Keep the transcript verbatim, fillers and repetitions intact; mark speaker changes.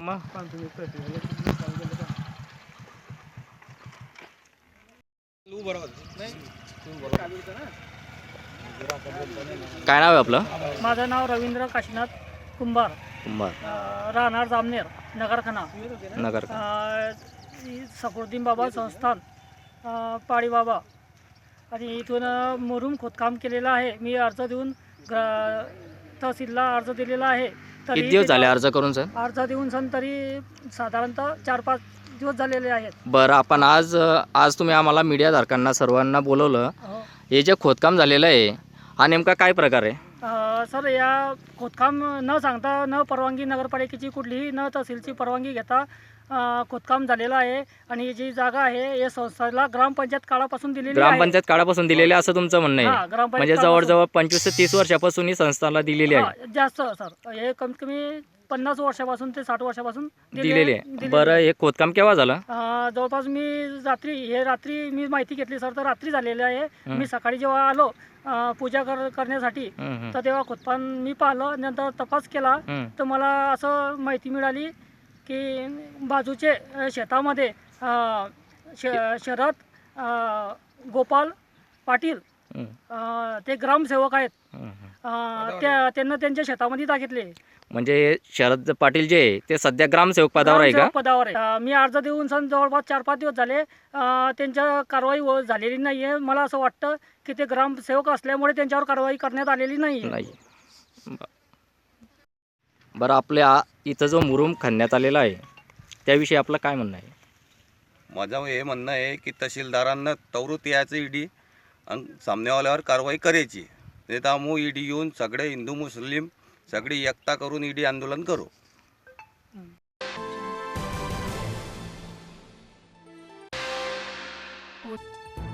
Speaker 1: मग
Speaker 2: काय नाव आहे आपलं?
Speaker 3: माझं नाव रवींद्र काशीनाथ कुंभार,
Speaker 2: कुंभार,
Speaker 3: अ, राहणार जामनेर, नगरखाना,
Speaker 2: नगर.
Speaker 3: सफरुद्दीन बाबा संस्थान, अ, पाडी बाबा. आणि इथून अ, मुरुम खोदकाम केलेलं आहे. मी अर्ज देऊन ग्र तहसीलला अर्ज दिलेला आहे.
Speaker 2: किती दिवस झाले अर्ज करून सर?
Speaker 3: अर्ज देऊन सन तरी साधारणतः चार पाच दिवस झालेले आहेत.
Speaker 2: बरं, आपण आज आज तुम्ही आम्हाला मीडियाधारकांना सर्वांना बोलवलं.
Speaker 3: हो.
Speaker 2: हे जे खोदकाम झालेलं आहे हा नेमका काय प्रकार आहे?
Speaker 3: अ, सर, या खोदकाम न सांगता, न परवानगी, नगरपालिकेची कुठलीही, न तहसीलची परवानगी घेता अ, खोदकाम झालेलं आहे. आणि ही जी जागा आहे या संस्थेला ग्रामपंचायत काळापासून दिलेली आहे.
Speaker 2: ग्रामपंचायत काळापासून दिलेली असं तुमचं म्हणणं
Speaker 3: हां,
Speaker 2: आहे?
Speaker 3: ग्रामपंचायत
Speaker 2: म्हणजे
Speaker 3: काळापासून.
Speaker 2: जवळजवळ पंचवीस ते तीस वर्षापासून ही संस्थाला दिलेली आहे.
Speaker 3: हां, जास्त सर, हे कमीत कमी पन्नास वर्षापासून ते साठ वर्षापासून दिले-
Speaker 2: दिलेली आहे.
Speaker 3: दिलेली
Speaker 2: बरं,
Speaker 3: आहे.
Speaker 2: हे खोदकाम केव्हा झालं?
Speaker 3: अ, जवळपास मी रात्री, हे रात्री मी माहिती घेतली सर, तर रात्री झालेले आहे.
Speaker 2: हं.
Speaker 3: मी सकाळी जेव्हा आलो अ, पूजा कर करण्यासाठी,
Speaker 2: हं, हं.
Speaker 3: तर तेव्हा खोदकाम मी पाहिलं. नंतर तपास केला
Speaker 2: हं.
Speaker 3: तर मला असं माहिती मिळाली की बाजूचे अ, शेतामध्ये अ, श शरद अ, गोपाल पाटील,
Speaker 2: हं,
Speaker 3: अ, ते ग्रामसेवक आहेत.
Speaker 2: हं, हं.
Speaker 3: अ, त्या त्यांना त्यांच्या शेतामध्ये दाखितले.
Speaker 2: म्हणजे शरद पाटील जे आहे ते सध्या ग्रामसेवक पदावर आहे का?
Speaker 3: ग्रामसेवक पदावर आहे. अ, मी अर्ज देऊन सन जवळपास चार पाच दिवस झाले. अ, त्यांच्या कारवाई व झालेली नाही आहे. मला असं वाटतं की ते ग्रामसेवक असल्यामुळे त्यांच्यावर कारवाई करण्यात आलेली नाही आहे.
Speaker 2: नाही. ब- बरं, आपल्या इथं जो मुरुम खणण्यात आलेला आहे त्याविषयी आपलं काय म्हणणं आहे?
Speaker 4: माझं हे म्हणणं आहे की तहसीलदारांना तवरूत यायचं ईडी आणि सामनेवाल्यावर कारवाई करायची. नाही तर आम्ही ईडी येऊन सगळे हिंदू मुस्लिम सगळी एकता करून ईडी आंदोलन करू.
Speaker 3: हो.